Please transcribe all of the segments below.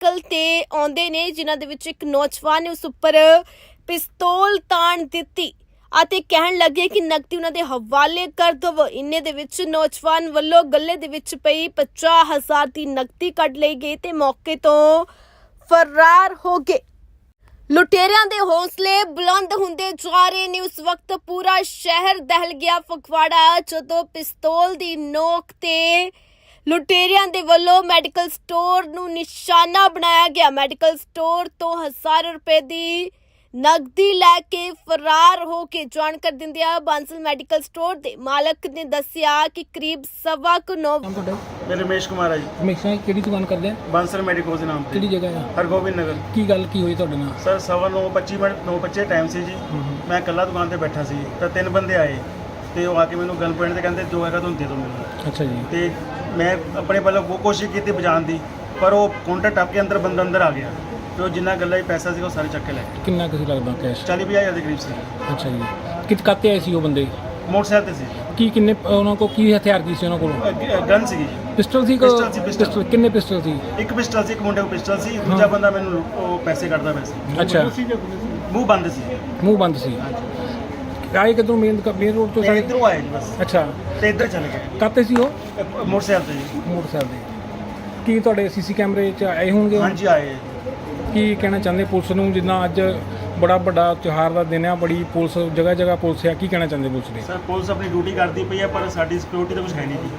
Motorcycle ते आउंदे ने जिन्हां दे विच एक नौजवान ने उस उपर पिस्तौल ताण दित्ती ਅਤੇ ਕਹਿਣ ਲੱਗੇ ਕਿ ਨਕਦੀ ਉਹਨਾਂ ਦੇ ਹਵਾਲੇ ਕਰ ਦਵੋ। ਇੰਨੇ ਦੇ ਵਿੱਚ ਨੌਜਵਾਨ ਵੱਲੋਂ ਗੱਲੇ ਦੇ ਵਿੱਚ ਪਈ 50,000 ਦੀ ਨਕਦੀ ਕੱਢ ਲਈ ਗਈ ਤੇ ਮੌਕੇ ਤੋਂ ਫਰਾਰ ਹੋ ਗਏ। ਲੁਟੇਰਿਆਂ ਦੇ ਹੌਸਲੇ ਬੁਲੰਦ ਹੁੰਦੇ ਜਾ ਰਹੇ ਨੇ। ਉਸ ਵਕਤ ਪੂਰਾ ਸ਼ਹਿਰ ਦਹਿਲ ਗਿਆ ਫਗਵਾੜਾ ਜਦੋਂ ਪਿਸਤੌਲ ਦੀ ਨੋਕ ਤੇ ਲੁਟੇਰਿਆਂ ਦੇ ਵੱਲੋਂ ਮੈਡੀਕਲ ਸਟੋਰ ਨੂੰ ਨਿਸ਼ਾਨਾ ਬਣਾਇਆ ਗਿਆ। ਮੈਡੀਕਲ ਸਟੋਰ ਤੋਂ ਹਜ਼ਾਰਾਂ ਰੁਪਏ ਦੀ ਨਗਦੀ ਲੈ ਕੇ ਫਰਾਰ ਹੋ ਕੇ ਜਾਣਕਾਰੀ ਦਿੰਦਿਆਂ ਬਾਂਸਲ ਮੈਡੀਕਲ ਸਟੋਰ ਦੇ ਮਾਲਕ ਨੇ ਦੱਸਿਆ ਕਿ ਕਰੀਬ 9:15 मैं रमेश कुमार है जी। ਹਮੇਸ਼ਾ ਕਿਹੜੀ ਦੁਕਾਨ ਕਰਦੇ ਆ? बांसल मेडिकल के नाम ਕਿਹੜੀ पे ਜਗ੍ਹਾ ਆ? हरगोबिंद नगर। ਕੀ ਗੱਲ ਕੀ ਹੋਈ ਤੁਹਾਡੇ ਨਾਲ? सर 9:25 9:25 ਟਾਈਮ ਸੀ ਜੀ। ਮੈਂ ਇਕੱਲਾ ਦੁਕਾਨ ਤੇ ਬੈਠਾ ਸੀ ਤਾਂ ਤਿੰਨ ਬੰਦੇ ਆਏ ਤੇ ਉਹ ਆ ਕੇ ਮੈਨੂੰ ਗਨ ਪੁਆਇੰਟ ਤੇ ਕਹਿੰਦੇ ਜੋ ਹੈਗਾ ਤੁਹਾਨੂੰ ਦੇ ਦਿਓ ਮੈਨੂੰ। ਅੱਛਾ ਜੀ। ਤੇ ਮੈਂ ਆਪਣੇ ਵੱਲੋਂ ਬਹੁਤ ਕੋਸ਼ਿਸ਼ ਕੀਤੀ ਬਚਾਉਣ ਦੀ, ਪਰ ਉਹ ਕਾਊਂਟਰ ਟੱਪ ਕੇ ਬੰਦਾ ਅੰਦਰ ਆ ਗਿਆ ਤੇ ਉਹ ਜਿੰਨਾ ਗੱਲਾਂ 'ਚ ਪੈਸਾ ਸੀ ਉਹ ਸਾਰੇ ਚੱਕ ਕੇ ਲੈ ਗਏ। ਕਿੰਨਾ ਕੁ ਲੱਗਦਾ ਕੈਸ਼? 40-50 ਦੇ ਕਰੀਬ ਸੀ। ਅੱਛਾ ਜੀ। ਕਿੱਥੇ ਆਏ ਸੀ ਉਹ ਬੰਦੇ? ਮੋਟਰਸਾਈਕਲ ਤੇ ਸੀ। ਕੀ ਕਿੰਨੇ ਉਹਨਾਂ ਕੋਲ ਕੀ ਹਥਿਆਰ ਕੀ ਸੀ ਉਹਨਾਂ ਕੋਲ? ਗਨ ਸੀਗੀ ਜੀ। ਪਿਸਟਲ ਸੀ? ਪਿਸਟਲ ਸੀ, ਪਿਸਟਲ। ਪਿਸਟਲ ਕਿੰਨੇ ਪਿਸਟਲ ਸੀ? ਇੱਕ ਪਿਸਟਲ ਸੀ, ਇੱਕ ਮੁੰਡੇ ਕੋਲ ਪਿਸਟਲ ਸੀ, ਦੂਜਾ ਬੰਦਾ ਮੈਨੂੰ ਉਹ ਪੈਸੇ ਕੱਢਦਾ ਪਿਆ ਸੀ। ਅੱਛਾ। ਮੂੰਹ ਬੰਦ ਸੀ। ਮੂੰਹ ਬੰਦ ਸੀ। ਆਏ ਕਿੱਧਰੋਂ ਮੇਨ ਰੋਡ ਤੋਂ ਤੇ ਸਾਰੇ? ਇੱਧਰੋਂ ਆਏ ਜੀ ਬਸ ਅੱਛਾ। ਤੇ ਇੱਧਰ ਚਲੇ ਗਏ ਕਾਤੇ ਸੀ ਉਹ? ਮੋਟਰਸਾਈਕਲ ਤੇ ਜੀ। ਮੋਟਰਸਾਈਕਲ ਦੇ। ਕੀ ਤੁਹਾਡੇ ਸੀਸੀ ਕੈਮਰੇ 'ਚ ਆਏ ਹੋਣਗੇ? ਹਾਂਜੀ ਆਏ। ਕੀ ਕਹਿਣਾ ਚਾਹੁੰਦੇ ਪੁਲਿਸ ਨੂੰ, ਜਿੱਦਾਂ ਅੱਜ ਬੜਾ ਵੱਡਾ ਤਿਉਹਾਰ ਦਾ ਦਿਨ ਆ, ਬੜੀ ਪੁਲਿਸ ਜਗ੍ਹਾ ਜਗ੍ਹਾ ਪੁਲਿਸ ਆ, ਕੀ ਕਹਿਣਾ ਚਾਹੁੰਦੇ ਪੁਲਿਸ ਨੇ? ਸਰ ਪੁਲਿਸ ਆਪਣੀ ਡਿਊਟੀ ਕਰਦੀ ਪਈ ਹੈ ਪਰ ਸਾਡੀ ਸਿਕਿਉਰਿਟੀ ਤਾਂ ਕੁਝ ਹੈ ਨਹੀਂ ਜੀ।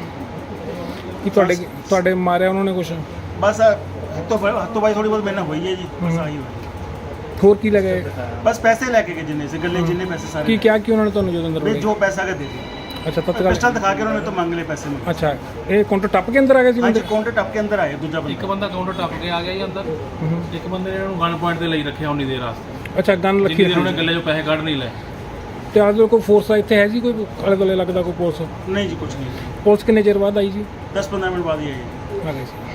ਕੀ ਤੁਹਾਡੇ ਮਾਰਿਆ ਉਹਨਾਂ ਨੇ ਕੁਛ? ਬਸ ਹੱਥੋਂ ਬਾਈ ਥੋੜੀ ਬਹੁਤ ਮੇਰੇ ਨਾਲ ਹੋਈ ਹੈ ਜੀ। ਬਸ ਆਹੀ ਹੋਈ। ਹੋਰ ਕੀ ਲੱਗੇ? ਬਸ ਪੈਸੇ ਲੈ ਕੇ ਗਏ ਜਿੰਨੇ ਸੀ ਗੱਲੇ ਜਿੰਨੇ ਪੈਸੇ ਸਾਰੇ। ਕੀ ਕਿਹਾ ਕਿ ਉਹਨਾਂ ਨੇ ਤੁਹਾਨੂੰ ਜਦੋਂ ਅੰਦਰ ਵੀ ਵੜੇ? ਜੋ ਪੈਸਾ ਕੇ ਦੇ ਦਿਓ। ਅੱਛਾ ਤਤਕਾਲ। ਪਿਸਟਲ ਦਿਖਾ ਕੇ ਉਹਨਾਂ ਨੇ ਤੋਂ ਮੰਗ ਲਏ ਪੈਸੇ ਮੇਰੇ। ਅੱਛਾ ਇਹ ਕਾਊਂਟਰ ਟੱਪ ਕੇ ਅੰਦਰ ਆ ਗਏ ਸੀ ਹਾਂਜੀ ਬੰਦੇ? ਕਾਊਂਟਰ ਟੱਪ ਕੇ ਅੰਦਰ ਆਏ ਦੂਜਾ ਇੱਕ ਬੰਦਾ। ਬੰਦਾ ਕਾਊਂਟਰ ਟੱਪ ਕੇ ਆ ਗਿਆ ਜੀ ਅੰਦਰ। ਇੱਕ ਬੰਦੇ ਨੇ ਉਹਨੂੰ ਗਨ ਪੁਆਇੰਟ ਤੇ ਲਈ ਰੱਖਿਆ ਉਨੀ ਦੇਰ ਵਾਸਤੇ, ਅੱਛਾ ਗਨ ਜਿੰਨੀ ਲੱਗੀ ਦੇਰ ਉਹਨੇ ਸੀ। ਗੱਲੇ 'ਚੋਂ ਪੈਸੇ ਕੱਢ ਨਹੀਂ ਲਏ। ਤੇ ਅੱਜ ਕੋਈ ਫੋਰਸ ਇੱਥੇ ਹੈ ਜੀ? ਕੋਈ ਆਲੇ ਦੁਆਲੇ ਲੱਗਦਾ ਕੋਈ ਪੁਲਿਸ? ਨਹੀਂ ਜੀ ਕੁਝ ਨਹੀਂ। ਪੁਲਿਸ ਕਿੰਨੇ ਚਿਰ ਬਾਅਦ ਆਈ ਜੀ? 10-15 ਮਿੰਟ ਬਾਅਦ ਹੀ ਆਏ ਜੀ। ਆ ਗਏ ਸੀ।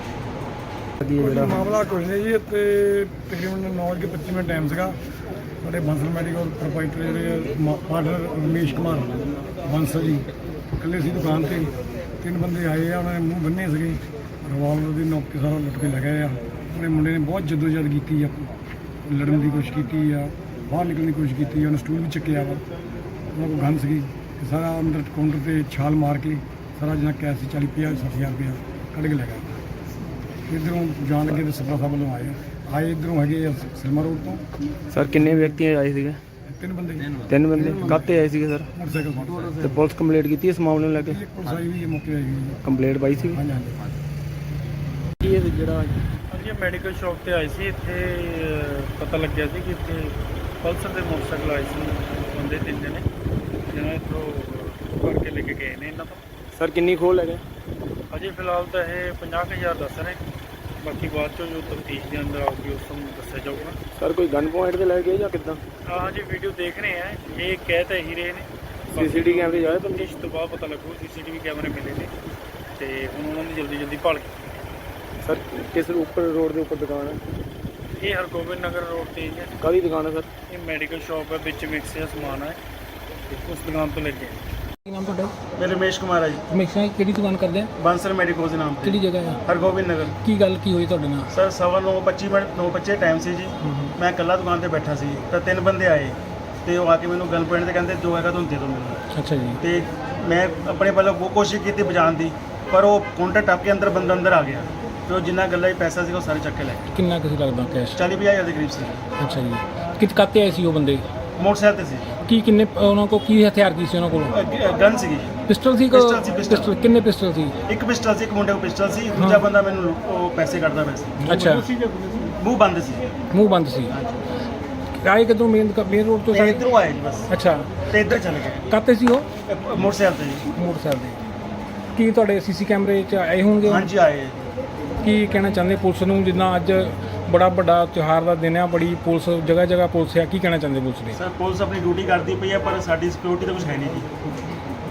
ਮਾਮਲਾ ਕੁਝ ਨਹੀਂ ਜੀ। ਤੇ ਤਕਰੀਬਨ 9:25 ਮਿੰਟ ਟਾਈਮ ਸੀਗਾ। ਸਾਡੇ ਬਾਂਸਲ ਮੈਡੀਕਲ ਪ੍ਰੋਪਰਾਈਟਰ ਜਿਹੜੇ ਪਾਰਟਨਰ ਰਮੇਸ਼ ਕੁਮਾਰ ਬਾਂਸਲ ਜੀ ਇਕੱਲੇ ਸੀ ਦੁਕਾਨ ਤੇ। ਤਿੰਨ ਬੰਦੇ ਆਏ ਆ, ਉਹਨਾਂ ਨੇ ਮੂੰਹ ਬੰਨੇ ਸੀਗੇ, ਰਿਵਾਲਵਰ ਦੀ ਨੋਕ ਕੇ ਸਾਰਾ ਲੁੱਟ ਕੇ ਲੈ ਗਏ ਆ। ਉਹਨੇ ਮੁੰਡੇ ਨੇ ਬਹੁਤ ਜਦੋਜਹਿਦ ਕੀਤੀ ਆ, ਲੜਨ ਦੀ ਕੋਸ਼ਿਸ਼ ਕੀਤੀ ਆ, ਬਾਹਰ ਨਿਕਲਣ ਦੀ ਕੋਸ਼ਿਸ਼ ਕੀਤੀ ਆ। ਉਹਨੇ ਸਟੂਲ ਵੀ ਚੱਕਿਆ ਵਾ, ਉਹਨਾਂ ਕੋਲ ਗਨ ਸੀਗੀ ਤੇ ਸਾਰਾ ਅੰਦਰ ਕਾਊਂਟਰ ਤੇ ਛਾਲ ਮਾਰ ਕੇ ਸਾਰਾ ਜਿੰਨਾ ਕੈਸ਼ ਸੀ 40-50-60,000 ਰੁਪਇਆ ਕੱਢ ਕੇ ਲੈ ਗਿਆ। ਇੱਧਰੋਂ ਜਾਣ ਲੱਗੇ ਤੇ ਸਪਰਾ ਸਾਹਿਬ ਵੱਲੋਂ ਆਏ ਇੱਧਰੋਂ ਹੈਗੇ ਆ ਸਿਲਮਾ ਰੋਡ ਤੋਂ। ਸਰ ਕਿੰਨੇ ਵਿਅਕਤੀ ਆਏ ਸੀਗੇ? ਤਿੰਨ ਬੰਦੇ ਤਿੰਨ ਬੰਦੇ ਕਾਹਤੇ ਆਏ ਸੀਗੇ ਸਰ? ਮੋਟਰਸਾਈਕਲ ਤੇ ਪੁਲਿਸ ਕੰਪਲੀਟ ਕੀਤੀ ਇਸ ਮਾਮਲੇ ਨੂੰ ਲੈ ਕੇ? ਪੁਲਿਸ ਆਈ ਵੀ ਮੌਕੇ ਆਈ ਹੋਈ ਹੈ। ਕੰਪਲੀਟ ਪਾਈ ਸੀ? ਹਾਂਜੀ ਹਾਂਜੀ। ਕੀ ਇਹ ਜਿਹੜਾ ਹਾਂਜੀ ਮੈਡੀਕਲ ਸ਼ਾਪ ਤੇ ਆਏ ਸੀ। ਇੱਥੇ ਪਤਾ ਲੱਗਿਆ ਸੀ ਕਿ ਇੱਥੇ ਪਲਸਰ ਦੇ ਮੋਟਰਸਾਈਕਲ ਆਏ ਸੀ ਬੰਦੇ ਤਿੰਨ ਜਣੇ, ਜਿਹਨਾਂ ਇੱਥੋਂ ਕਰਕੇ ਲੈ ਕੇ ਗਏ ਨੇ ਇਹਨਾਂ ਤੋਂ। ਸਰ ਕਿੰਨੀ ਖੋਲ ਹੈਗੇ? ਅਜੇ ਫਿਲਹਾਲ ਤਾਂ ਇਹ 50,000 ਦੱਸ ਰਹੇ, ਬਾਕੀ ਬਾਅਦ ਚੋਂ ਜੋ ਤਫਤੀਸ਼ ਦੇ ਅੰਦਰ ਆਊਗੀ ਉਸ ਨੂੰ ਦੱਸਿਆ ਜਾਊਗਾ। ਸਰ ਕੋਈ ਗਨ ਪੁਆਇੰਟ ਤੇ ਲੈ ਗਏ ਜਾਂ ਕਿੱਦਾਂ? ਹਾਂਜੀ ਵੀਡੀਓ ਦੇਖ ਰਹੇ ਆ, ਇਹ ਕਹਿ ਤਾਂ ਇਹੀ ਰਹੇ ਨੇ। CCTV ਕੈਮਰੇ ਜਾਏ ਤਾਂ ਤਫਤੀਸ਼ ਤੋਂ ਬਾਅਦ ਪਤਾ ਲੱਗੂ। CCTV ਕੈਮਰੇ ਮਿਲੇ ਨੇ ਤੇ ਹੁਣ ਉਹਨਾਂ ਦੀ ਜਲਦੀ ਭਾਲ ਕੀਤੀ। ਸਰ ਕਿਸ ਉੱਪਰ ਰੋਡ ਦੇ ਉੱਪਰ ਦੁਕਾਨ ਹੈ? ਇਹ ਹਰਗੋਬਿੰਦ ਨਗਰ ਰੋਡ ਤੇ ਹੀ ਹੈ। ਕਾਹਦੀ ਦੁਕਾਨ ਹੈ ਸਰ? ਇਹ ਮੈਡੀਕਲ ਸ਼ਾਪ ਹੈ, ਵਿੱਚ ਮਿਕਸ ਦਾ ਸਮਾਨ ਹੈ, ਉਸ ਦੁਕਾਨ ਤੋਂ ਲੈ ਕੇ ਕੀ ਨਾਮ ਤੁਹਾਡਾ? ਮੈਂ ਰਮੇਸ਼ ਕੁਮਾਰ ਹੈ ਜੀ। ਹਮੇਸ਼ਾ ਕਿਹੜੀ ਦੁਕਾਨ ਕਰਦੇ ਆ? ਬਾਂਸਲ ਮੈਡੀਕਲ ਦੇ ਨਾਮ ਤੇ ਕਿਹੜੀ ਜਗ੍ਹਾ ਆ? ਹਰਗੋਬਿੰਦ ਨਗਰ। ਕੀ ਗੱਲ ਕੀ ਹੋਈ ਤੁਹਾਡੇ ਨਾਲ? ਸਰ 9:25 ਟਾਈਮ ਸੀ ਜੀ। ਮੈਂ ਇਕੱਲਾ ਦੁਕਾਨ ਤੇ ਬੈਠਾ ਸੀ ਤਾਂ ਤਿੰਨ ਬੰਦੇ ਆਏ ਤੇ ਉਹ ਆ ਕੇ ਮੈਨੂੰ ਗਨ ਪੁਆਇੰਟ ਤੇ ਕਹਿੰਦੇ ਜੋ ਹੈਗਾ ਤੁਹਾਨੂੰ ਦੇ ਦਿਓ ਮੈਨੂੰ। ਅੱਛਾ ਜੀ। ਤੇ ਮੈਂ ਆਪਣੇ ਵੱਲੋਂ ਬਹੁਤ ਕੋਸ਼ਿਸ਼ ਕੀਤੀ ਬਚਾਉਣ ਦੀ, ਪਰ ਉਹ ਕਾਊਂਟਰ ਟੱਪ ਕੇ ਬੰਦਾ ਅੰਦਰ ਆ ਗਿਆ ਤੇ ਉਹ ਜਿੰਨਾ ਗੱਲਾਂ 'ਚ ਪੈਸਾ ਸੀ ਉਹ ਸਾਰੇ ਚੱਕ ਕੇ ਲੈ ਗਏ। ਕਿੰਨਾ ਕੁ ਲੱਗਦਾ ਕੈਸ਼? 40-50 ਦੇ ਕਰੀਬ ਸੀ। ਅੱਛਾ ਜੀ। ਕਾਤੇ ਆਏ ਸੀ ਉਹ ਬੰਦੇ? ਮੋਟਰਸਾਈਕਲ ਤੇ ਸੀ। ਕੀ ਕਿੰਨੇ ਉਹਨਾਂ ਕੋਲ ਕੀ ਹਥਿਆਰ ਕੀ ਸੀ ਉਹਨਾਂ ਕੋਲ? ਗਨ ਸੀਗੀ ਜੀ। ਪਿਸਟਲ ਸੀ? ਪਿਸਟਲ ਸੀ, ਪਿਸਟਲ। ਪਿਸਟਲ ਕਿੰਨੇ ਪਿਸਟਲ ਸੀ? ਇੱਕ ਪਿਸਟਲ ਸੀ, ਇੱਕ ਮੁੰਡੇ ਕੋਲ ਪਿਸਟਲ ਸੀ, ਦੂਜਾ ਬੰਦਾ ਮੈਨੂੰ ਉਹ ਪੈਸੇ ਕੱਢਦਾ ਪਿਆ ਸੀ। ਅੱਛਾ। ਮੂੰਹ ਬੰਦ ਸੀ। ਮੂੰਹ ਬੰਦ ਸੀ। ਆਏ ਕਿੱਧਰੋਂ ਮੇਨ ਰੋਡ ਤੋਂ ਤੇ ਸਾਰੇ? ਇੱਧਰੋਂ ਆਏ ਜੀ ਬਸ ਅੱਛਾ। ਤੇ ਇੱਧਰ ਚਲੇ ਗਏ ਕਾਤੇ ਸੀ ਉਹ? ਮੋਟਰਸਾਈਕਲ ਤੇ ਜੀ। ਮੋਟਰਸਾਈਕਲ ਦੇ। ਕੀ ਤੁਹਾਡੇ ਸੀਸੀ ਕੈਮਰੇ 'ਚ ਆਏ ਹੋਣਗੇ? ਹਾਂਜੀ ਆਏ। ਕੀ ਕਹਿਣਾ ਚਾਹੁੰਦੇ ਪੁਲਿਸ ਨੂੰ, ਜਿੱਦਾਂ ਅੱਜ ਬੜਾ ਵੱਡਾ ਤਿਉਹਾਰ ਦਾ ਦਿਨ ਆ, ਬੜੀ ਪੁਲਿਸ ਜਗ੍ਹਾ ਜਗ੍ਹਾ ਪੁਲਿਸ ਆ, ਕੀ ਕਹਿਣਾ ਚਾਹੁੰਦੇ ਪੁਲਿਸ ਨੇ? ਸਰ ਪੁਲਿਸ ਆਪਣੀ ਡਿਊਟੀ ਕਰਦੀ ਪਈ ਹੈ ਪਰ ਸਾਡੀ ਸਿਕਿਉਰਿਟੀ ਤਾਂ ਕੁਝ ਹੈ ਨਹੀਂ ਜੀ।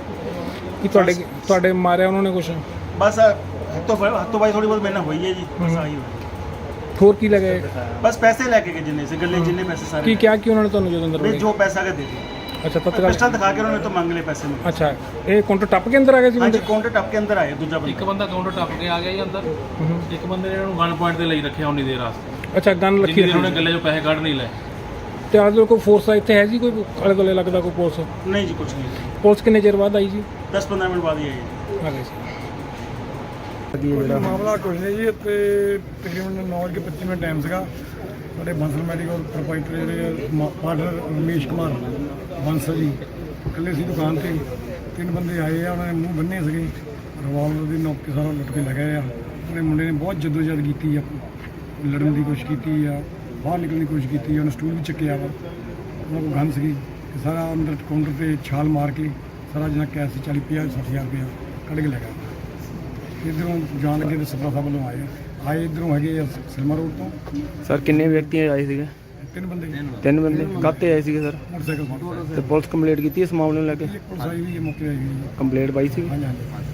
ਕੀ ਤੁਹਾਡੇ ਮਾਰਿਆ ਉਹਨਾਂ ਨੇ ਕੁਛ? ਬਸ ਹੱਥੋਂ ਬਾਈ ਥੋੜੀ ਬਹੁਤ ਮੇਰੇ ਨਾਲ ਹੋਈ ਹੈ ਜੀ। ਬਸ ਆਹੀ ਹੋਈ। ਹੋਰ ਕੀ ਲੱਗੇ? ਬਸ ਪੈਸੇ ਲੈ ਕੇ ਗਏ ਜਿੰਨੇ ਸੀ ਗੱਲੇ ਜਿੰਨੇ ਪੈਸੇ ਸਾਰੇ। ਕੀ ਕਿਹਾ ਕਿ ਉਹਨਾਂ ਨੇ ਤੁਹਾਨੂੰ ਜਦੋਂ ਅੰਦਰ ਵੀ ਵੜੇ? ਜੋ ਪੈਸਾ ਕੇ ਦੇ ਦਿਓ। ਅੱਛਾ ਤਤਕਾਲ ਪਿਸਟਲ ਦਿਖਾ ਕੇ ਉਹਨਾਂ ਨੇ ਤੋਂ ਮੰਗ ਲਏ ਪੈਸੇ ਮੇਰੇ। ਅੱਛਾ ਇਹ ਕਾਊਂਟਰ ਟੱਪ ਕੇ ਅੰਦਰ ਆ ਗਏ ਸੀ ਹਾਂਜੀ ਬੰਦੇ ਕਾਊਂਟਰ ਟੱਪ ਕੇ ਅੰਦਰ ਆਏ ਦੂਜਾ ਇੱਕ ਬੰਦਾ। ਬੰਦਾ ਕਾਊਂਟਰ ਟੱਪ ਕੇ ਆ ਗਿਆ ਜੀ ਅੰਦਰ ਇੱਕ ਬੰਦੇ ਨੇ ਇਹਨੂੰ ਗਨ ਪੁਆਇੰਟ ਤੇ ਲਈ ਰੱਖਿਆ ਉਨੀ ਦੇਰ ਵਾਸਤੇ ਅੱਛਾ ਗਨ ਜਿੰਨੀ ਰੱਖੀ ਦੇਰ ਉਹਨੇ ਹੋਈ ਗੱਲੇ 'ਚੋਂ ਪੈਸੇ ਕੱਢ ਨਹੀਂ ਲਏ। ਤੇ ਆਜ ਕੋਈ ਫੋਰਸ ਇੱਥੇ ਹੈ ਜੀ ਕੋਈ ਆਲੇ ਦੁਆਲੇ ਲੱਗਦਾ ਕੋਈ ਪੁਲਿਸ ਨਹੀਂ ਜੀ ਕੁਝ ਨਹੀਂ, ਪੁਲਿਸ ਕਿੰਨੇ ਚਿਰ ਬਾਅਦ ਆਈ ਜੀ 10-15 ਮਿੰਟ ਬਾਅਦ ਹੀ ਆਏ। ਆ ਗਏ ਸੀ ਕੋਈ ਮਾਮਲਾ ਕੁਝ ਨਹੀਂ ਜੀ, ਇੱਥੇ ਤਕਰੀਬਨ 9:25 ਮਿੰਟ ਟਾਈਮ ਸੀਗਾ। ਸਾਡੇ ਬੰਸਲ ਮੈਡੀਕਲ ਪ੍ਰੋਪਰਾਈਟਰ ਜਿਹੜੇ ਪਾਰਟਨਰ ਰਮੇਸ਼ ਕੁਮਾਰ ਬੰਸਲ ਜੀ ਇਕੱਲੇ ਸੀ ਦੁਕਾਨ ਤੇ। ਤਿੰਨ ਬੰਦੇ ਆਏ ਆ, ਉਹਨਾਂ ਨੇ ਮੂੰਹ ਬੰਨੇ ਸੀਗੇ, ਰਿਵਾਲਵਰ ਦੀ ਨੋਕ ਕੇ ਸਾਰਾ ਲੁੱਟ ਕੇ ਲੈ ਗਏ ਆ। ਉਹਨੇ ਮੁੰਡੇ ਨੇ ਬਹੁਤ ਜਦੋਜਹਿਦ ਕੀਤੀ ਆ, ਲੜਨ ਦੀ ਕੋਸ਼ਿਸ਼ ਕੀਤੀ ਆ, ਬਾਹਰ ਨਿਕਲਣ ਦੀ ਕੋਸ਼ਿਸ਼ ਕੀਤੀ ਆ। ਉਹਨੇ ਸਟੂਲ ਵੀ ਚੱਕਿਆ ਵਾ, ਉਹਨਾਂ ਕੋਲ ਗਨ ਸੀਗੀ ਤੇ ਸਾਰਾ ਅੰਦਰ ਕਾਊਂਟਰ ਤੇ ਛਾਲ ਮਾਰ ਕੇ ਸਾਰਾ ਜਿੰਨਾ ਕੈਸ਼ ਸੀ 40-50-60 ਹਜ਼ਾਰ ਰੁਪਇਆ ਕੱਢ ਕੇ ਲੈ ਗਿਆ। ਇੱਧਰੋਂ ਜਾਣ ਲੱਗੇ ਤੇ ਸਪਰਾ ਸਾਹਿਬ ਵੱਲੋਂ ਆਏ ਇੱਧਰੋਂ ਹੈਗੇ ਆ ਸਿਲਮਾ ਰੋਡ ਤੋਂ। ਸਰ ਕਿੰਨੇ ਵਿਅਕਤੀ ਆਏ ਸੀਗੇ? ਤਿੰਨ ਬੰਦੇ ਤਿੰਨ ਬੰਦੇ ਕਾਹਤੇ ਆਏ ਸੀਗੇ ਸਰ? ਮੋਟਰਸਾਈਕਲ ਫੜ ਤੇ ਪੁਲਿਸ ਕੰਪਲੀਟ ਕੀਤੀ ਇਸ ਮਾਮਲੇ ਨੂੰ ਲੈ ਕੇ? ਕੇ ਪੁਲਿਸ ਆਈ ਵੀ ਹੈ, ਮੌਕੇ ਆਈ ਵੀ ਹੈ। ਕੰਪਲੀਟ ਪਾਈ ਸੀ? ਹਾਂਜੀ ਹਾਂਜੀ।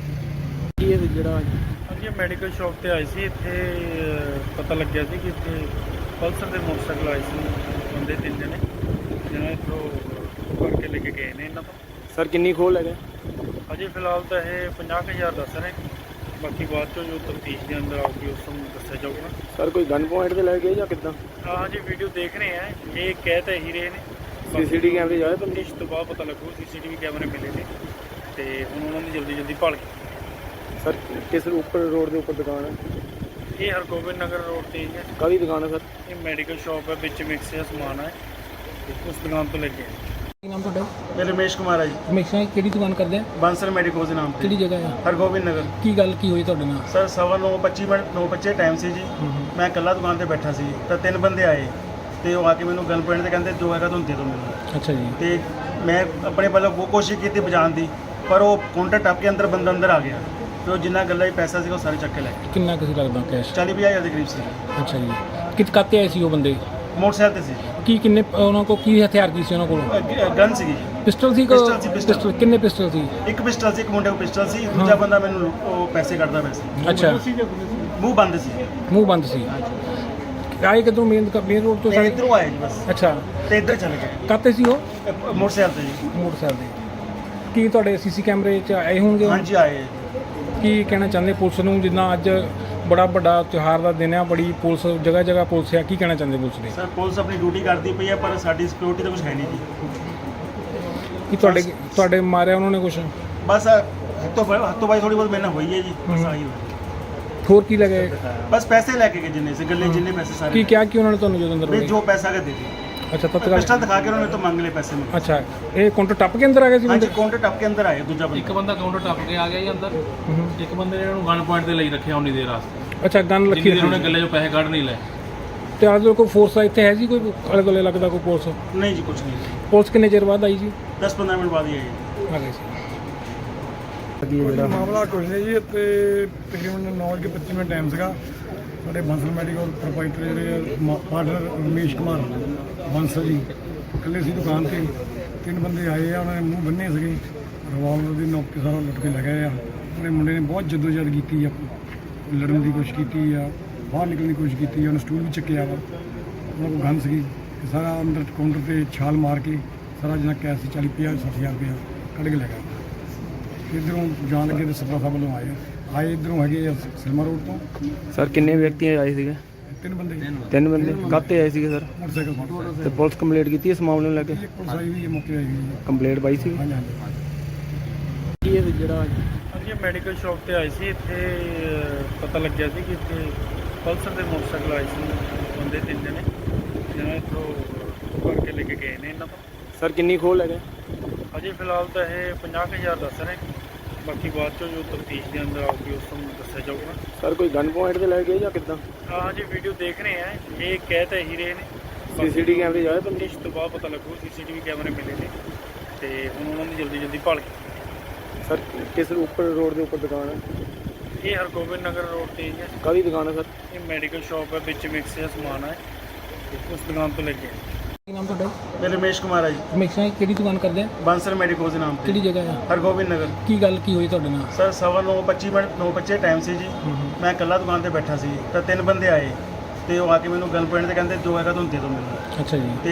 ਕੀ ਇਹ ਜਿਹੜਾ ਹਾਂਜੀ ਮੈਡੀਕਲ ਸ਼ਾਪ ਤੇ ਆਏ ਸੀ ਇੱਥੇ ਪਤਾ ਲੱਗਿਆ ਸੀ ਕਿ ਇੱਥੇ ਪਲਸਰ ਦੇ ਮੋਟਰਸਾਈਕਲ ਆਏ ਸੀ ਬੰਦੇ ਤਿੰਨ ਜਣੇ ਜਿਹਨਾਂ ਇੱਥੋਂ ਕਰਕੇ ਲੈ ਕੇ ਗਏ ਨੇ ਇਹਨਾਂ ਤੋਂ। ਸਰ ਕਿੰਨੀ ਖੋਲ ਹੈਗਾ? ਅਜੇ ਫਿਲਹਾਲ ਤਾਂ ਇਹ 50,000 ਦੱਸ ਰਹੇ, ਬਾਕੀ ਬਾਅਦ ਚੋਂ ਜੋ ਤਫਤੀਸ਼ ਦੇ ਅੰਦਰ ਆਊਗੀ ਉਸ ਨੂੰ ਦੱਸਿਆ ਜਾਊਗਾ। ਸਰ ਕੋਈ ਗਨ ਪੁਆਇੰਟ ਤੇ ਲੈ ਗਏ ਜਾਂ ਕਿੱਦਾਂ? ਹਾਂਜੀ ਵੀਡੀਓ ਦੇਖ ਰਹੇ ਆ, ਇਹ ਕਹਿ ਤਾਂ ਇਹੀ ਰਹੇ ਨੇ। ਸੀਸੀਟੀਵੀ ਕੈਮਰੇ ਜਾਏ ਤਾਂ ਤਫਤੀਸ਼ ਤੋਂ ਬਾਅਦ ਪਤਾ ਲੱਗੂ। ਸੀਸੀਟੀਵੀ ਕੈਮਰੇ ਮਿਲੇ ਨੇ ਤੇ ਹੁਣ ਉਹਨਾਂ ਦੀ ਜਲਦੀ ਭਾਲ ਕੀਤੀ। ਸਰ ਕਿਸ ਉੱਪਰ ਰੋਡ ਦੇ ਉੱਪਰ ਦੁਕਾਨ ਹੈ? ਇਹ ਹਰਗੋਬਿੰਦ ਨਗਰ ਰੋਡ ਤੇ ਹੀ ਹੈ। ਕਾਹਦੀ ਦੁਕਾਨ ਹੈ ਸਰ? ਇਹ ਮੈਡੀਕਲ ਸ਼ਾਪ ਹੈ, ਵਿੱਚ ਮਿਕਸ ਹੈ ਸਮਾਨ ਹੈ, ਉਸ ਦੁਕਾਨ ਤੋਂ ਲੈ ਕੇ ਆਏ। ਕੀ ਨਾਮ ਤੁਹਾਡਾ? ਮੈਂ ਰਮੇਸ਼ ਕੁਮਾਰ ਆ ਜੀ, ਹਮੇਸ਼ਾ ਕਿਹੜੀ ਦੁਕਾਨ ਕਰਦੇ ਆ? ਬਾਂਸਲ ਮੈਡੀਕੋਜ਼ ਦੇ ਨਾਮ ਕਿਹੜੀ ਤੇ, ਜਗ੍ਹਾ ਆ? ਹਰਗੋਬਿੰਦ ਨਗਰ। ਕੀ ਗੱਲ ਕੀ ਹੋਈ ਤੁਹਾਡੇ ਨਾਲ? ਸਰ 9:25 ਮਿੰਟ 9:25 ਟਾਈਮ ਸੀ ਜੀ। ਮੈਂ ਇਕੱਲਾ ਦੁਕਾਨ ਤੇ ਬੈਠਾ ਸੀ ਤਾਂ ਤਿੰਨ ਬੰਦੇ ਆਏ ਤੇ ਉਹ ਆ ਕੇ ਮੈਨੂੰ ਗਨ ਪੁਆਇੰਟ ਤੇ ਕਹਿੰਦੇ ਜੋ ਹੈਗਾ ਤੁਹਾਨੂੰ ਦੇ ਦਿਓ ਮੈਨੂੰ। ਅੱਛਾ ਜੀ ਤੇ ਮੈਂ ਆਪਣੇ ਵੱਲੋਂ ਬਹੁਤ ਕੋਸ਼ਿਸ਼ ਕੀਤੀ ਬਚਾਉਣ ਦੀ, ਪਰ ਉਹ ਕਾਊਂਟਰ ਟੱਪ ਕੇ ਬੰਦਾ ਅੰਦਰ ਆ ਗਿਆ ਤੇ ਉਹ ਜਿੰਨਾ ਗੱਲਾਂ ਹੀ ਪੈਸਾ ਸੀਗਾ ਉਹ ਸਾਰੇ ਚੱਕ ਕੇ ਲੈ ਗਏ। ਕਿੰਨਾ ਕਿਸੇ ਲੱਗਦਾ ਕੈਸ਼? 40-50 ਹਜ਼ਾਰ ਦੇ ਕਰੀਬ ਸੀ। ਅੱਛਾ ਜੀ ਕਾਤੇ ਆਏ ਸੀ ਉਹ ਬੰਦੇ? ਮੋਟਰਸਾਈਕਲ ਤੇ ਸੀ, ਕੀ ਕਿੰਨੇ ਉਹਨਾਂ ਕੋਲ ਕੀ ਹਥਿਆਰ ਕੀ ਸੀ ਉਹਨਾਂ ਕੋਲ? ਗਨ ਸੀਗੀ ਜੀ। ਪਿਸਟਲ ਸੀ? ਪਿਸਟਲ ਸੀ, ਪਿਸਟਲ। ਪਿਸਟਲ ਕਿੰਨੇ ਪਿਸਟਲ ਸੀ? ਇੱਕ ਪਿਸਟਲ ਸੀ, ਇੱਕ ਮੁੰਡੇ ਕੋਲ ਪਿਸਟਲ ਸੀ, ਦੂਜਾ ਬੰਦਾ ਮੈਨੂੰ ਉਹ ਪੈਸੇ ਕੱਢਦਾ ਪਿਆ ਸੀ। ਅੱਛਾ ਮੂੰਹ ਬੰਦ ਸੀ। ਮੂੰਹ ਬੰਦ ਸੀ। ਆਏ ਕਿੱਧਰੋਂ ਮੇਨ ਰੋਡ ਤੋਂ ਤੇ ਸਾਰੇ? ਇੱਧਰੋਂ ਆਏ ਜੀ ਬਸ, ਅੱਛਾ ਤੇ ਇੱਧਰ ਚਲੇ ਗਏ ਕਾਤੇ ਸੀ ਉਹ? ਮੋਟਰਸਾਈਕਲ ਤੇ ਜੀ। ਮੋਟਰਸਾਈਕਲ ਦੇ। ਕੀ ਤੁਹਾਡੇ ਸੀਸੀ ਕੈਮਰੇ 'ਚ ਆਏ ਹੋਣਗੇ? ਹਾਂਜੀ ਆਏ। ਕੀ ਕਹਿਣਾ ਚਾਹੁੰਦੇ ਪੁਲਿਸ ਨੂੰ, ਜਿੱਦਾਂ ਅੱਜ ਬੜਾ ਵੱਡਾ ਤਿਉਹਾਰ ਦਾ ਦਿਨ ਆ, ਬੜੀ ਪੁਲਿਸ ਜਗ੍ਹਾ ਜਗ੍ਹਾ ਪੁਲਿਸ ਆ, ਕੀ ਕਹਿਣਾ ਚਾਹੁੰਦੇ ਪੁਲਿਸ ਨੇ? ਸਰ ਪੁਲਿਸ ਆਪਣੀ ਡਿਊਟੀ ਕਰਦੀ ਪਈ ਹੈ, ਪਰ ਸਾਡੀ ਸਿਕਿਉਰਿਟੀ ਤਾਂ ਕੁਝ ਹੈ ਨਹੀਂ ਜੀ। ਕੀ ਤੁਹਾਡੇ ਮਾਰਿਆ ਉਹਨਾਂ ਨੇ ਕੁਛ? ਬਸ ਹੱਥੋਂ ਬਾਈ ਥੋੜੀ ਬਹੁਤ ਮੇਰੇ ਨਾਲ ਹੋਈ ਹੈ ਜੀ, ਬਸ ਆਹੀ ਹੋਈ। ਹੋਰ ਕੀ ਲੱਗੇ? ਬਸ ਪੈਸੇ ਲੈ ਕੇ ਗਏ ਜਿੰਨੇ ਸੀ ਗੱਲੇ, ਜਿੰਨੇ ਪੈਸੇ ਕੀ ਸਾਰੇ ਕਿਹਾ ਕਿ ਉਹਨਾਂ ਨੇ ਤੁਹਾਨੂੰ ਜਦੋਂ ਅੰਦਰ ਵੀ ਵੜੇ? ਜੋ ਪੈਸਾ ਹੈ ਦੇ ਦੇ। ਅੱਛਾ ਤਤਕਾਲ ਪਿਸਟਲ ਦਿਖਾ ਕੇ ਉਹਨਾਂ ਨੇ ਤੋਂ ਮੰਗ ਲਏ ਪੈਸੇ ਮੇਰੇ। ਅੱਛਾ ਇਹ ਕਾਊਂਟਰ ਟੱਪ ਕੇ ਅੰਦਰ ਆ ਗਏ ਸੀ ਹਾਂਜੀ ਬੰਦੇ? ਕਾਊਂਟਰ ਟੱਪ ਕੇ ਅੰਦਰ ਆਏ ਦੂਜਾ ਇੱਕ ਬੰਦਾ। ਬੰਦਾ ਕਾਊਂਟਰ ਟੱਪ ਕੇ ਆ ਗਿਆ ਜੀ ਅੰਦਰ ਇੱਕ ਬੰਦੇ ਨੇ ਇਹਨੂੰ ਗਨ ਪੁਆਇੰਟ ਤੇ ਲਈ ਰੱਖਿਆ ਉਨੀ ਦੇਰ ਵਾਸਤੇ ਅੱਛਾ ਗਨ ਜਿੰਨੀ ਰੱਖੀ ਦੇਰ ਉਹਨੇ ਹੋਈ। ਗੱਲੇ 'ਚੋਂ ਪੈਸੇ ਕੱਢ ਨਹੀਂ ਲਏ। ਤੇ ਆਜ ਕੋਈ ਫੋਰਸ ਇੱਥੇ ਹੈ ਜੀ ਕੋਈ ਆਲੇ ਦੁਆਲੇ ਲੱਗਦਾ ਕੋਈ ਪੁਲਿਸ? ਨਹੀਂ ਜੀ ਕੁਝ ਨਹੀਂ, ਪੁਲਿਸ ਕਿੰਨੇ ਚਿਰ ਬਾਅਦ ਆਈ ਜੀ 10-15 ਮਿੰਟ ਬਾਅਦ ਹੀ ਆਏ। ਆ ਗਏ ਸੀ ਕੋਈ ਮਾਮਲਾ ਕੁਝ ਨਹੀਂ ਜੀ, ਇੱਥੇ ਤਕਰੀਬਨ 9:25 ਮਿੰਟ ਟਾਈਮ ਸੀਗਾ। ਸਾਡੇ ਬੰਸਲ ਮੈਡੀਕਲ ਪ੍ਰੋਪਰਾਈਟਰ ਜਿਹੜੇ ਪਾਰਟਨਰ ਰਮੇਸ਼ ਕੁਮਾਰ ਬੰਸਲ ਜੀ ਇਕੱਲੇ ਸੀ ਦੁਕਾਨ ਤੇ। ਤਿੰਨ ਬੰਦੇ ਆਏ ਆ, ਉਹਨਾਂ ਨੇ ਮੂੰਹ ਬੰਨੇ ਸੀਗੇ, ਰਿਵਾਲਵਰ ਦੀ ਨੋਕ ਕੇ ਸਾਰਾ ਲੁੱਟ ਕੇ ਲੈ ਗਏ ਆ। ਉਹਨੇ ਮੁੰਡੇ ਨੇ ਬਹੁਤ ਜਦੋਜਹਿਦ ਕੀਤੀ ਆ, ਲੜਨ ਦੀ ਕੋਸ਼ਿਸ਼ ਕੀਤੀ ਆ, ਬਾਹਰ ਨਿਕਲਣ ਦੀ ਕੋਸ਼ਿਸ਼ ਕੀਤੀ ਆ। ਉਹਨੇ ਸਟੂਲ ਵੀ ਚੱਕਿਆ ਵਾ, ਉਹਨਾਂ ਕੋਲ ਗਨ ਸੀਗੀ ਤੇ ਸਾਰਾ ਅੰਦਰ ਕਾਊਂਟਰ ਤੇ ਛਾਲ ਮਾਰ ਕੇ ਸਾਰਾ ਜਿੰਨਾ ਕੈਸ਼ ਸੀ 40-50-60 ਹਜ਼ਾਰ ਰੁਪਇਆ ਕੱਢ ਕੇ ਲੈ ਗਿਆ। ਇੱਧਰੋਂ ਜਾਣ ਲੱਗੇ ਤੇ ਸਪਰਾ ਸਾਹਿਬ ਵੱਲੋਂ ਆਏ ਇੱਧਰੋਂ ਹੈਗੇ ਆ ਸਿਲਮਾ ਰੋਡ ਤੋਂ। ਸਰ ਕਿੰਨੇ ਵਿਅਕਤੀ ਆਏ ਸੀਗੇ? ਤਿੰਨ ਬੰਦੇ ਤਿੰਨ ਬੰਦੇ ਕਾਹਤੇ ਆਏ ਸੀਗੇ ਸਰ? ਮੋਟਰਸਾਈਕਲ ਫੜ ਕੇ ਤੇ ਪੁਲਿਸ ਕੰਪਲੀਟ ਕੀਤੀ ਇਸ ਮਾਮਲੇ ਨੂੰ ਲੈ ਕੇ? ਪੁਲਿਸ ਆਈ ਵੀ ਹੈ, ਮੌਕੇ ਆਈ ਵੀ ਹੈ। ਕੰਪਲੀਟ ਪਾਈ ਸੀ? ਹਾਂਜੀ ਹਾਂਜੀ। ਕੀ ਇਹ ਜਿਹੜਾ ਹਾਂਜੀ ਮੈਡੀਕਲ ਸ਼ਾਪ ਤੇ ਆਏ ਸੀ ਇੱਥੇ ਪਤਾ ਲੱਗਿਆ ਸੀ ਕਿ ਇੱਥੇ ਪਲਸਰ ਦੇ ਮੋਟਰਸਾਈਕਲ ਆਏ ਸੀ ਬੰਦੇ ਤਿੰਨ ਜਣੇ ਜਿਹਨਾਂ ਇੱਥੋਂ ਕਰਕੇ ਲੈ ਕੇ ਗਏ ਨੇ ਇਹਨਾਂ ਤੋਂ। ਸਰ ਕਿੰਨੀ ਖੋਲ ਹੈਗਾ? ਅਜੇ ਫਿਲਹਾਲ ਤਾਂ ਇਹ 50,000 ਦੱਸ ਰਹੇ, ਬਾਕੀ ਬਾਅਦ ਚੋਂ ਜੋ ਤਫਤੀਸ਼ ਦੇ ਅੰਦਰ ਆਊਗੀ ਉਸ ਨੂੰ ਦੱਸਿਆ ਜਾਊਗਾ। ਸਰ ਕੋਈ ਗਨ ਪੁਆਇੰਟ ਤੇ ਲੈ ਗਏ ਜਾਂ ਕਿੱਦਾਂ? ਹਾਂਜੀ ਵੀਡੀਓ ਦੇਖ ਰਹੇ ਆ, ਇਹ ਕਹਿ ਤਾਂ ਇਹੀ ਰਹੇ ਨੇ। ਸੀਸੀਟੀਵੀ ਕੈਮਰੇ ਜਾਏ ਤਾਂ ਤਫਤੀਸ਼ ਤੋਂ ਬਾਅਦ ਪਤਾ ਲੱਗੂ। ਸੀਸੀਟੀਵੀ ਕੈਮਰੇ ਮਿਲੇ ਨੇ ਤੇ ਹੁਣ ਉਹਨਾਂ ਦੀ ਜਲਦੀ ਭਾਲ ਕੀਤੀ। ਸਰ ਕਿਸ ਉੱਪਰ ਰੋਡ ਦੇ ਉੱਪਰ ਦੁਕਾਨ ਹੈ? ਇਹ ਹਰਗੋਬਿੰਦ ਨਗਰ ਰੋਡ ਤੇ ਹੀ ਹੈ। ਕਾਹਦੀ ਦੁਕਾਨ ਹੈ ਸਰ? ਇਹ ਮੈਡੀਕਲ ਸ਼ਾਪ ਹੈ, ਵਿੱਚ ਮਿਕਸ ਹੈ ਸਮਾਨ ਹੈ, ਉਸ ਦੁਕਾਨ ਤੋਂ ਲੈ ਕੇ ਆਏ। ਕੀ ਨਾਮ ਤੁਹਾਡਾ? ਮੈਂ ਰਮੇਸ਼ ਕੁਮਾਰ ਆ ਜੀ, ਹਮੇਸ਼ਾ ਕਿਹੜੀ ਦੁਕਾਨ ਕਰਦੇ ਆ? ਬਾਂਸਲ ਮੈਡੀਕੋਜ਼ ਦੇ ਨਾਮ ਕਿਹੜੀ ਤੇ, ਜਗ੍ਹਾ ਆ? ਹਰਗੋਬਿੰਦ ਨਗਰ। ਕੀ ਗੱਲ ਕੀ ਹੋਈ ਤੁਹਾਡੇ ਨਾਲ? ਸਰ 9:25 ਮਿੰਟ 9:25 ਟਾਈਮ ਸੀ ਜੀ। ਮੈਂ ਇਕੱਲਾ ਦੁਕਾਨ ਤੇ ਬੈਠਾ ਸੀ ਤਾਂ ਤਿੰਨ ਬੰਦੇ ਆਏ ਤੇ ਉਹ ਆ ਕੇ ਮੈਨੂੰ ਗਨ ਪੁਆਇੰਟ ਤੇ ਕਹਿੰਦੇ ਜੋ ਹੈਗਾ ਤੁਹਾਨੂੰ ਦੇ ਦਿਓ ਮੈਨੂੰ। ਅੱਛਾ ਜੀ ਤੇ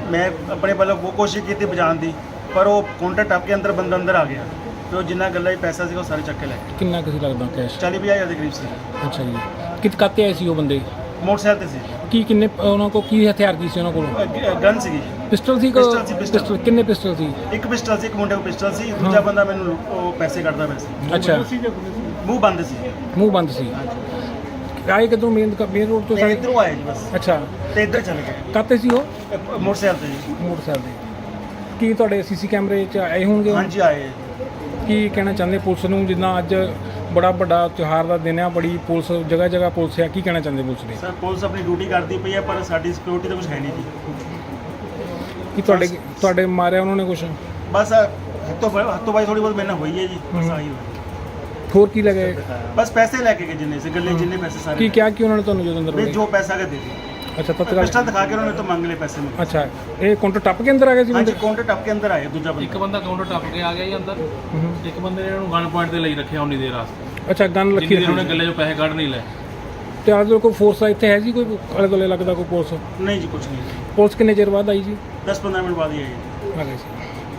ਮੈਂ ਆਪਣੇ ਵੱਲੋਂ ਬਹੁਤ ਕੋਸ਼ਿਸ਼ ਕੀਤੀ ਬਚਾਉਣ ਦੀ, ਪਰ ਉਹ ਕਾਊਂਟਰ ਟੱਪ ਕੇ ਅੰਦਰ ਬੰਦਾ ਅੰਦਰ ਆ ਗਿਆ ਤੇ ਉਹ ਜਿੰਨਾ ਗੱਲਾਂ 'ਚ ਪੈਸਾ ਸੀਗਾ ਉਹ ਸਾਰੇ ਚੱਕ ਕੇ ਲੈ ਗਏ। ਕਿੰਨਾ ਕਿਸੇ ਲੱਗਦਾ ਕੈਸ਼? 40-50 ਦੇ ਕਰੀਬ ਸੀ। ਅੱਛਾ ਜੀ। ਕਿਤ ਕਾਤੇ ਆਏ ਸੀ ਉਹ ਬੰਦੇ? ਮੋਟਰਸਾਈਕਲ ਤੇ ਸੀ। ਕੀ ਕਿੰਨੇ ਉਹਨਾਂ ਕੋਲ ਕੀ ਹਥਿਆਰ ਕੀ ਸੀ ਉਹਨਾਂ ਕੋਲ? ਗਨ ਸੀਗੀ। ਪਿਸਟਲ ਸੀ? ਪਿਸਟਲ ਸੀ, ਪਿਸਟਲ। ਪਿਸਟਲ ਕਿੰਨੇ ਪਿਸਟਲ ਸੀ? ਇੱਕ ਪਿਸਟਲ ਸੀ, ਇੱਕ ਮੁੰਡੇ ਕੋਲ ਪਿਸਟਲ ਸੀ, ਦੂਜਾ ਬੰਦਾ ਮੈਨੂੰ ਉਹ ਪੈਸੇ ਕੱਢਦਾ ਪਿਆ ਸੀ। ਅੱਛਾ। ਮੂੰਹ ਬੰਦ ਸੀ। ਮੂੰਹ ਬੰਦ ਸੀ। ਆਏ ਕਿਦੋਂ ਮੇਨ ਰੋਡ ਤੋਂ ਤੇ ਸਾਰੇ? ਇੱਧਰੋਂ ਆਏ ਜੀ ਬਸ, ਅੱਛਾ। ਤੇ ਇੱਧਰ ਚਲੇ ਗਏ ਕਾਤੇ ਸੀ ਉਹ? ਮੋਟਰਸਾਈਕਲ ਤੇ ਜੀ। ਮੋਟਰਸਾਈਕਲ ਦੇ। ਕੀ ਤੁਹਾਡੇ ਸੀਸੀ ਕੈਮਰੇ 'ਚ ਆਏ ਹੋਣਗੇ ਉਹ? ਹਾਂਜੀ ਆਏ। ਕੀ ਕਹਿਣਾ ਚਾਹੁੰਦੇ ਪੁਲਿਸ ਨੂੰ, ਜਿੱਦਾਂ ਅੱਜ ਬੜਾ ਵੱਡਾ ਤਿਉਹਾਰ ਦਾ ਦਿਨ ਆ, ਬੜੀ ਪੁਲਿਸ ਜਗ੍ਹਾ ਜਗ੍ਹਾ ਪੁਲਿਸ ਆ, ਕੀ ਕਹਿਣਾ ਚਾਹੁੰਦੇ ਪੁਲਿਸ ਦੇ? ਸਰ ਪੁਲਿਸ ਆਪਣੀ ਡਿਊਟੀ ਕਰਦੀ ਪਈ ਹੈ, ਪਰ ਸਾਡੀ ਸਿਕਿਉਰਿਟੀ ਤਾਂ ਕੁਝ ਹੈ ਨਹੀਂ ਜੀ। ਕੀ ਤੁਹਾਡੇ ਮਾਰਿਆ ਉਹਨਾਂ ਨੇ ਕੁਛ? ਬਸ ਹੱਥੋਂ ਬਾਈ ਥੋੜੀ ਬਹੁਤ ਮੈਨਾਂ ਹੋਈ ਹੈ ਜੀ, ਬਸ ਆਹੀ ਹੋਈ। ਹੋਰ ਕੀ ਲੱਗੇ? ਬਸ ਪੈਸੇ ਲੈ ਕੇ ਗਏ ਜਿੰਨੇ ਸੀ ਗੱਲੇ, ਜਿੰਨੇ ਪੈਸੇ ਸਾਰੇ ਕੀ ਕਿਹਾ ਕਿ ਉਹਨਾਂ ਨੇ ਤੁਹਾਨੂੰ ਜਦੋਂ ਅੰਦਰ ਵੀ ਵੜੇ? ਜੋ ਪੈਸਾ ਕੇ ਦੇ ਦੇ। ਅੱਛਾ ਤਤਕਾਲ। ਪਿਸਟਲ ਦਿਖਾ ਕੇ ਉਹਨਾਂ ਨੇ ਤਾਂ ਮੰਗ ਲਏ ਪੈਸੇ ਮੇਰੇ। ਅੱਛਾ, ਇਹ ਕਾਊਂਟਰ ਟੱਪ ਕੇ ਅੰਦਰ ਆ ਗਏ ਸੀ ਹਾਂਜੀ ਬੰਦੇ? ਕਾਊਂਟਰ ਟੱਪ ਕੇ ਅੰਦਰ ਆਏ ਦੂਜਾ ਇੱਕ ਬੰਦਾ। ਬੰਦਾ ਕਾਊਂਟਰ ਟੱਪ ਕੇ ਆ ਗਿਆ ਜੀ ਅੰਦਰ। ਇੱਕ ਬੰਦੇ ਨੇ ਇਹਨੂੰ ਗਨ ਪੁਆਇੰਟ ਤੇ ਲਈ ਰੱਖਿਆ ਉਨੀ ਦੇਰ ਵਾਸਤੇ, ਅੱਛਾ, ਗਨ ਜਿੰਨੀ ਰੱਖੀ ਦੇਰ ਉਹਨੇ ਹੋਈ ਗੱਲੇ 'ਚੋਂ ਪੈਸੇ ਕੱਢ ਨਹੀਂ ਲਏ। ਤੇ ਆਜ ਕੋਈ ਫੋਰਸ ਇੱਥੇ ਹੈ ਜੀ, ਕੋਈ ਆਲੇ ਦੁਆਲੇ ਲੱਗਦਾ ਕੋਈ ਪੁਲਿਸ? ਨਹੀਂ ਜੀ ਕੁਝ ਨਹੀਂ। ਪੁਲਿਸ ਕਿੰਨੇ ਚਿਰ ਬਾਅਦ ਆਈ ਜੀ? 10-15 ਮਿੰਟ ਬਾਅਦ ਹੀ ਆਏ। ਆ ਗਏ ਸੀ।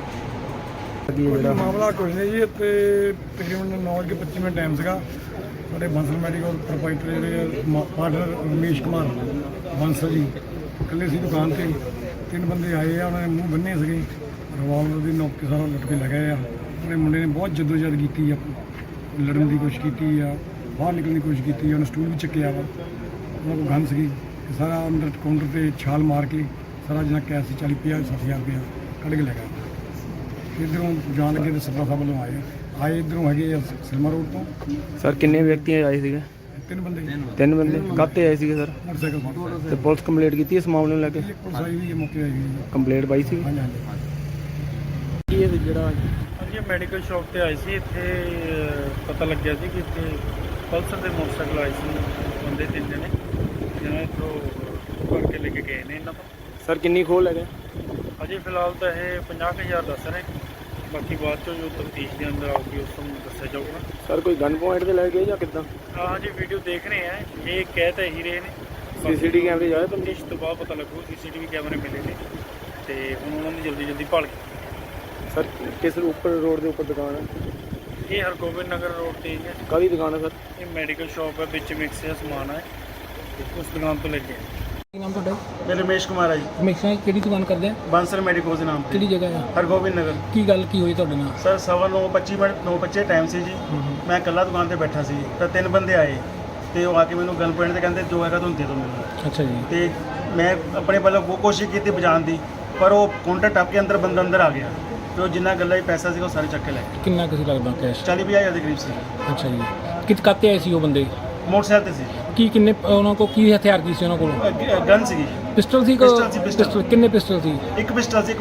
ਮਾਮਲਾ ਕੁਝ ਨਹੀਂ ਜੀ, ਤੇ ਤਕਰੀਬਨ 9:25 ਟਾਈਮ ਸੀਗਾ। ਸਾਡੇ ਬੰਸਲ ਮੈਡੀਕਲ ਪ੍ਰੋਪਰਾਈਟਰ ਜਿਹੜੇ ਪਾਰਟਨਰ ਰਮੇਸ਼ ਕੁਮਾਰ ਬੰਸਲ ਜੀ ਇਕੱਲੇ ਸੀ ਦੁਕਾਨ ਤੇ। ਤਿੰਨ ਬੰਦੇ ਆਏ ਆ, ਉਹਨਾਂ ਨੇ ਮੂੰਹ ਬੰਨੇ ਸੀਗੇ, ਰਿਵਾਲਵਰ ਦੀ ਨੋਕ ਕੇ ਸਾਰਾ ਲੁੱਟ ਕੇ ਲੈ ਗਏ ਆ। ਉਹਨੇ ਮੁੰਡੇ ਨੇ ਬਹੁਤ ਜਦੋਜਹਿਦ ਕੀਤੀ ਆ, ਲੜਨ ਦੀ ਕੋਸ਼ਿਸ਼ ਕੀਤੀ ਆ, ਬਾਹਰ ਨਿਕਲਣ ਦੀ ਕੋਸ਼ਿਸ਼ ਕੀਤੀ ਆ, ਉਹਨੇ ਸਟੂਲ ਵੀ ਚੱਕਿਆ ਵਾ। ਉਹਨਾਂ ਕੋਲ ਗਨ ਸੀਗੀ, ਸਾਰਾ ਅੰਦਰ ਕਾਊਂਟਰ ਤੇ ਛਾਲ ਮਾਰ ਕੇ ਸਾਰਾ ਜਿੰਨਾ ਕੈਸ਼ ਸੀ 40-50-60,000 ਰੁਪਇਆ ਕੱਢ ਕੇ ਲੈ ਗਿਆ। ਇੱਧਰੋਂ ਜਾਣ ਲੱਗੇ ਤੇ ਸੱਤਾ ਸਾਹਿਬ ਵੱਲੋਂ ਆਏ ਇੱਧਰੋਂ ਹੈਗੇ ਆ ਸਿਲਮਾ ਰੋਡ ਤੋਂ। ਸਰ ਕਿੰਨੇ ਵਿਅਕਤੀ ਆਏ ਸੀਗੇ? ਤਿੰਨ ਬੰਦੇ ਤਿੰਨ ਬੰਦੇ ਕਾਤੇ ਆਏ ਸੀਗੇ ਸਰ? ਮੋਟਰਸਾਈਕਲ ਤੇ ਪੁਲਿਸ ਕੰਪਲੀਟ ਕੀਤੀ ਇਸ ਮਾਮਲੇ ਨੂੰ ਲੈ ਕੇ? ਪੁਲਿਸ ਆਈ ਵੀ ਹੈ, ਮੌਕੇ ਆਈ ਵੀ ਹੈ। ਕੰਪਲੀਟ ਪਾਈ ਸੀ? ਹਾਂਜੀ ਹਾਂਜੀ। ਕੀ ਇਹ ਜਿਹੜਾ ਹਾਂਜੀ ਮੈਡੀਕਲ ਸ਼ਾਪ ਤੇ ਆਏ ਸੀ। ਇੱਥੇ ਪਤਾ ਲੱਗਿਆ ਸੀ ਕਿ ਇੱਥੇ ਪਲਸਰ ਦੇ ਮੋਟਰਸਾਈਕਲ ਆਏ ਸੀ ਬੰਦੇ ਤਿੰਨ ਜਣੇ, ਜਿਹਨਾਂ ਇੱਥੋਂ ਕਰਕੇ ਲੈ ਕੇ ਗਏ ਨੇ ਇਹਨਾਂ ਤੋਂ। ਸਰ ਕਿੰਨੀ ਖੋਲ ਹੈਗੇ? ਅਜੇ ਫਿਲਹਾਲ ਤਾਂ ਇਹ 50,000 ਦੱਸ ਰਹੇ, ਬਾਕੀ ਬਾਅਦ ਚੋਂ ਜੋ ਤਫਤੀਸ਼ ਦੇ ਅੰਦਰ ਆਊਗੀ ਉਸ ਨੂੰ ਦੱਸਿਆ ਜਾਊਗਾ। ਸਰ ਕੋਈ ਗਨ ਪੁਆਇੰਟ ਤੇ ਲੈ ਗਏ ਜਾਂ ਕਿੱਦਾਂ? ਹਾਂਜੀ ਵੀਡੀਓ ਦੇਖ ਰਹੇ ਆ, ਇਹ ਕਹਿ ਤਾਂ ਇਹੀ ਰਹੇ ਨੇ। ਸੀਸੀਟੀ ਕੈਮਰੇ ਜਾਏ ਤਾਂ ਤਫਤੀਸ਼ ਤੋਂ ਬਾਅਦ ਪਤਾ ਲੱਗੂ। CCTV ਕੈਮਰੇ ਮਿਲੇ ਨੇ ਤੇ ਹੁਣ ਉਹਨਾਂ ਦੀ ਜਲਦੀ ਭਾਲ ਕੀਤੀ। ਸਰ ਕਿਸ ਉੱਪਰ ਰੋਡ ਦੇ ਉੱਪਰ ਦੁਕਾਨ ਹੈ? ਇਹ ਹਰਗੋਬਿੰਦ ਨਗਰ ਰੋਡ ਤੇ ਹੀ ਹੈ। ਕਾਹਦੀ ਦੁਕਾਨ ਹੈ ਸਰ? ਇਹ ਮੈਡੀਕਲ ਸ਼ਾਪ ਹੈ, ਵਿੱਚ ਮਿਕਸ ਦਾ ਸਮਾਨ ਹੈ, ਤੇ ਉਸ ਦੁਕਾਨ ਤੋਂ ਲੈ ਕੇ ਆਏ। ਕੀ ਨਾਮ ਤੁਹਾਡਾ? ਮੈਂ ਰਮੇਸ਼ ਕੁਮਾਰ ਆ ਜੀ, ਹਮੇਸ਼ਾ ਕਿਹੜੀ ਦੁਕਾਨ ਕਰਦੇ ਆ? ਬਾਂਸਲ ਮੈਡੀਕੋਜ਼ ਦੇ ਨਾਮ ਤੇ। ਕਿਹੜੀ ਜਗ੍ਹਾ ਆ? ਹਰਗੋਬਿੰਦ ਨਗਰ। ਕੀ ਗੱਲ ਕੀ ਹੋਈ ਤੁਹਾਡੇ ਨਾਲ? ਸਰ 9:25 ਟਾਈਮ ਸੀ ਜੀ। ਮੈਂ ਇਕੱਲਾ ਦੁਕਾਨ ਤੇ ਬੈਠਾ ਸੀ ਤਾਂ ਤਿੰਨ ਬੰਦੇ ਆਏ ਤੇ ਉਹ ਆ ਕੇ ਮੈਨੂੰ ਗਨ ਪੁਆਇੰਟ ਤੇ ਕਹਿੰਦੇ ਜੋ ਹੈਗਾ ਤੁਹਾਨੂੰ ਦੇ ਦਿਓ ਮੈਨੂੰ। ਅੱਛਾ ਜੀ। ਤੇ ਮੈਂ ਆਪਣੇ ਵੱਲੋਂ ਬਹੁਤ ਕੋਸ਼ਿਸ਼ ਕੀਤੀ ਬਚਾਉਣ ਦੀ, ਪਰ ਉਹ ਕਾਊਂਟਰ ਟੱਪ ਕੇ ਅੰਦਰ ਬੰਦਾ ਅੰਦਰ ਆ ਗਿਆ ਤੇ ਉਹ ਜਿੰਨਾ ਗੱਲਾਂ 'ਚ ਪੈਸਾ ਸੀਗਾ ਉਹ ਸਾਰੇ ਚੱਕ ਕੇ ਲੈ ਗਏ। ਕਿੰਨਾ ਕਿਸੇ ਲੱਗਦਾ ਕੈਸ਼? 40-50 ਦੇ ਕਰੀਬ ਸੀ। ਅੱਛਾ ਜੀ। ਕਿਤ ਕਾਤੇ ਆਏ ਸੀ ਉਹ ਬੰਦੇ? ਮੋਟਰਸਾਈਕਲ ਤੇ ਸੀ। ਕੀ ਕਿੰਨੇ ਉਹਨਾਂ ਕੋਲ ਕੀ ਹਥਿਆਰ ਕੀ ਸੀ ਉਹਨਾਂ ਕੋਲ? ਗਨ ਸੀਗੀ। ਪਿਸਟਲ ਸੀ? ਪਿਸਟਲ ਸੀ, ਪਿਸਟਲ। ਪਿਸਟਲ ਕਿੰਨੇ ਪਿਸਟਲ ਸੀ? ਇੱਕ ਪਿਸਟਲ ਸੀ, ਇੱਕ